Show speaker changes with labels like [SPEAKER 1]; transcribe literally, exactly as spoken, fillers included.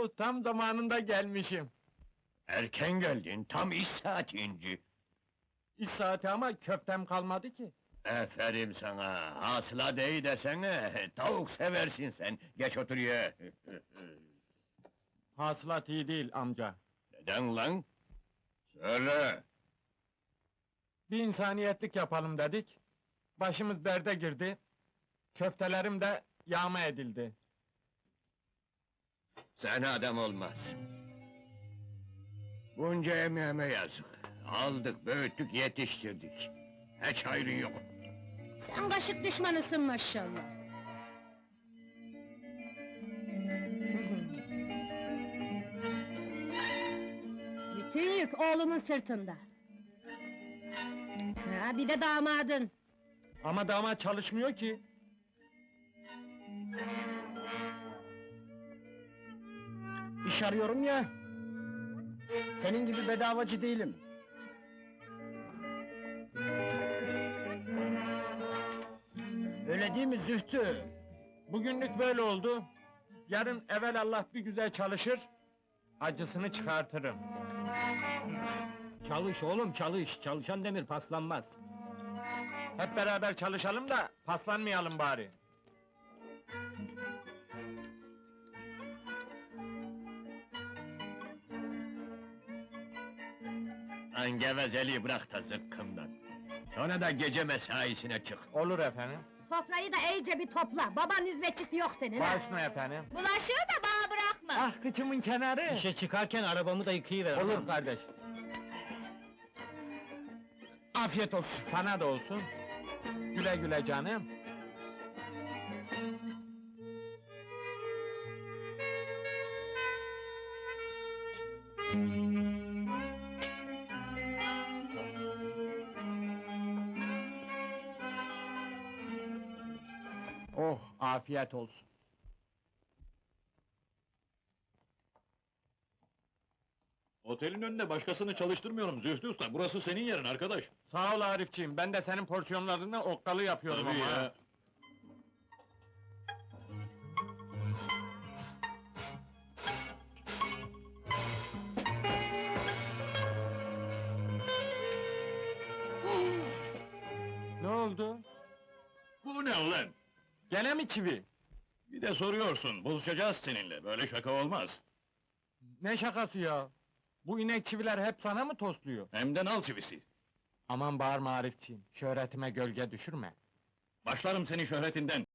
[SPEAKER 1] Oo, tam zamanında gelmişim.
[SPEAKER 2] Erken geldin, tam iş saati inci.
[SPEAKER 1] İş saati ama köftem kalmadı ki.
[SPEAKER 2] Aferin sana, hasıla dey desene, tavuk seversin sen, geç otur ye.
[SPEAKER 1] Hasılat iyi değil amca.
[SPEAKER 2] Neden lan? Söyle!
[SPEAKER 1] Bir insaniyetlik yapalım dedik. Başımız derde girdi. Köftelerim de yağma edildi.
[SPEAKER 2] Sana adam olmaz. Bunca emeğime yazık. Aldık, büyüttük, yetiştirdik. Hiç hayrın yok.
[SPEAKER 3] Sen kaşık düşmanısın maşallah. Bütün yük oğlumun sırtında. Ha, bir de damadın.
[SPEAKER 1] Ama damat çalışmıyor ki.
[SPEAKER 4] İş arıyorum ya. Senin gibi bedavacı değilim. Öyle değil mi Zühtü?
[SPEAKER 1] Bugünlük böyle oldu. Yarın evelallah bir güzel çalışır, acısını çıkartırım.
[SPEAKER 4] Çalış oğlum çalış. Çalışan demir paslanmaz.
[SPEAKER 1] Hep beraber çalışalım da paslanmayalım bari.
[SPEAKER 2] Lan gevezeliği bırak da zıkkımdan. Sonra da gece mesaisine çık.
[SPEAKER 1] Olur efendim.
[SPEAKER 3] Sofrayı da iyice bir topla. Baban hizmetçisi yok senin ha.
[SPEAKER 1] Başına efendim.
[SPEAKER 3] Bulaşığı da bana bırakma.
[SPEAKER 1] Ah kıçımın kenarı.
[SPEAKER 4] İşe çıkarken arabamı da yıkayıver.
[SPEAKER 1] Olur kardeş.
[SPEAKER 4] Afiyet olsun.
[SPEAKER 1] Sana da olsun. Güle güle canım. Oh, afiyet olsun.
[SPEAKER 5] Otelin önünde başkasını çalıştırmıyorum Zühtü Usta, burası senin yerin arkadaş.
[SPEAKER 1] Sağ ol Arifciğim, ben de senin porsiyonlarını okkalı yapıyorum
[SPEAKER 5] Tabii
[SPEAKER 1] ama.
[SPEAKER 5] ya.
[SPEAKER 1] ha. Ne oldu?
[SPEAKER 5] Bu ne ulan?
[SPEAKER 1] Gene mi çivi?
[SPEAKER 5] Bir de soruyorsun, buluşacağız seninle, böyle şaka olmaz.
[SPEAKER 1] Ne şakası ya? Bu inek çiviler hep sana mı tosluyor?
[SPEAKER 5] Hem de nal çivisi.
[SPEAKER 1] Aman bağırma Arifciğim, şöhretime gölge düşürme.
[SPEAKER 5] Başlarım senin şöhretinden.